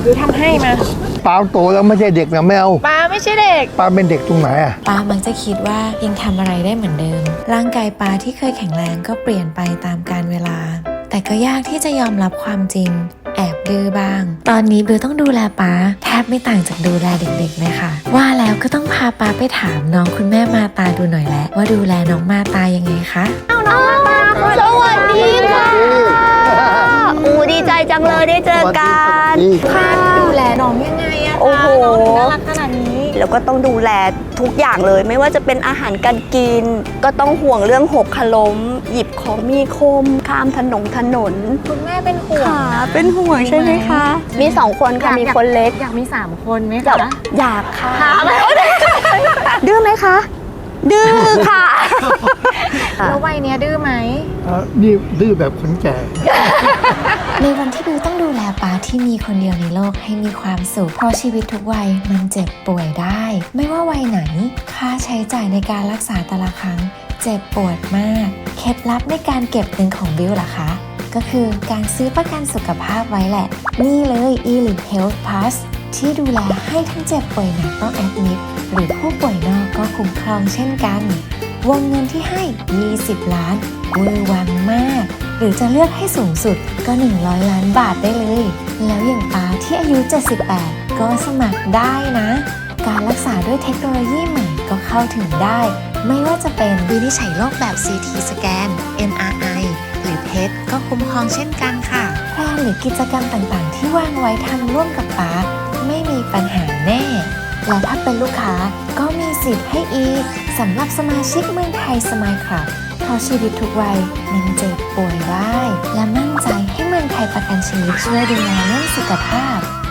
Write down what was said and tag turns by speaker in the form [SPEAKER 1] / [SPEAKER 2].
[SPEAKER 1] ดูทำให้มา
[SPEAKER 2] ป้าโตแล้วไม่ใช่เด็กนะไม่เอา
[SPEAKER 1] ป้าไม่ใช่เด็ก
[SPEAKER 2] ป้าเป็นเด็กตรงไหนอ่ะ
[SPEAKER 3] ป้ามักจะคิดว่ายังทำอะไรได้เหมือนเดิมร่างกายป้าที่เคยแข็งแรงก็เปลี่ยนไปตามกาลเวลาแต่ก็ยากที่จะยอมรับความจริงแอบดื้อบ้างตอนนี้บิวต้องดูแลป้าแทบไม่ต่างจากดูแลเด็กๆเลยค่ะว่าแล้วก็ต้องพาป้าไปถามน้องคุณแม่มาตาดูหน่อยแหละว่าดูแลน้องมาตายังไงคะ
[SPEAKER 1] น้องมาตา
[SPEAKER 4] สวัสดีค่ะดีใจจังเลยได้เจอกัน
[SPEAKER 1] ค่ะดูแลน้องยังไงอะคะ
[SPEAKER 4] โอ้โห
[SPEAKER 1] น้องถึงน่ารักขนาดนี้
[SPEAKER 4] แล้วก็ต้องดูแลทุกอย่างเลยไม่ว่าจะเป็นอาหารการกินก็ต้องห่วงเรื่องหกล้มหยิบของมีคมข้ามถนน
[SPEAKER 1] คุณแม่เป็นห่วง
[SPEAKER 4] เป็นห่วงใช่ไหมคะมี2คนค่ะมีคนเล็ก
[SPEAKER 1] อยากมี3คนไหมคะ
[SPEAKER 4] อยากค่ะดื้อไหมคะดื้อค่ะ
[SPEAKER 1] แล้ววัยเนี้ยดื้อไหม
[SPEAKER 2] นี่ดื้อแบบคนแก่
[SPEAKER 3] ในวันที่บิวต้องดูแลป้าที่มีคนเดียวในโลกให้มีความสุขเพราะชีวิตทุกวัยมันเจ็บป่วยได้ไม่ว่าวัยไหนค่าใช้จ่ายในการรักษาแต่ละครั้งเจ็บปวดมากเคล็ดลับในการเก็บเงินของบิวล่ะคะก็คือการซื้อประกันสุขภาพไว้แหละนี่เลย Elite Health Plus ที่ดูแลให้ทั้งเจ็บป่วยหนักต้องแอดมิดหรือผู้ป่วยนอกก็คุ้มครองเช่นกันวงเงินที่ให้20 ล้านเวอร์วังมากหรือจะเลือกให้สูงสุดก็100 ล้านบาทได้เลยแล้วอย่างป้าที่อายุ78ก็สมัครได้นะการรักษาด้วยเทคโนโลยีใหม่ก็เข้าถึงได้ไม่ว่าจะเป็นวินิจฉัยโรคแบบ CT สแกน MRI หรือ PET ก็คุ้มครองเช่นกันค่ะแพลนหรือกิจกรรมต่างๆที่วางไว้ทำร่วมกับป้าไม่มีปัญหาแน่และถ้าเป็นลูกค้าก็มีสิทธิ์ให้อีกสำหรับสมาชิกเมืองไทยสมายคลับเพราะชีวิตทุกวัยมันเจ็บป่วยได้และมั่นใจให้เมืองไทยประกันชีวิตช่วยดูแลเรื่องสุขภาพ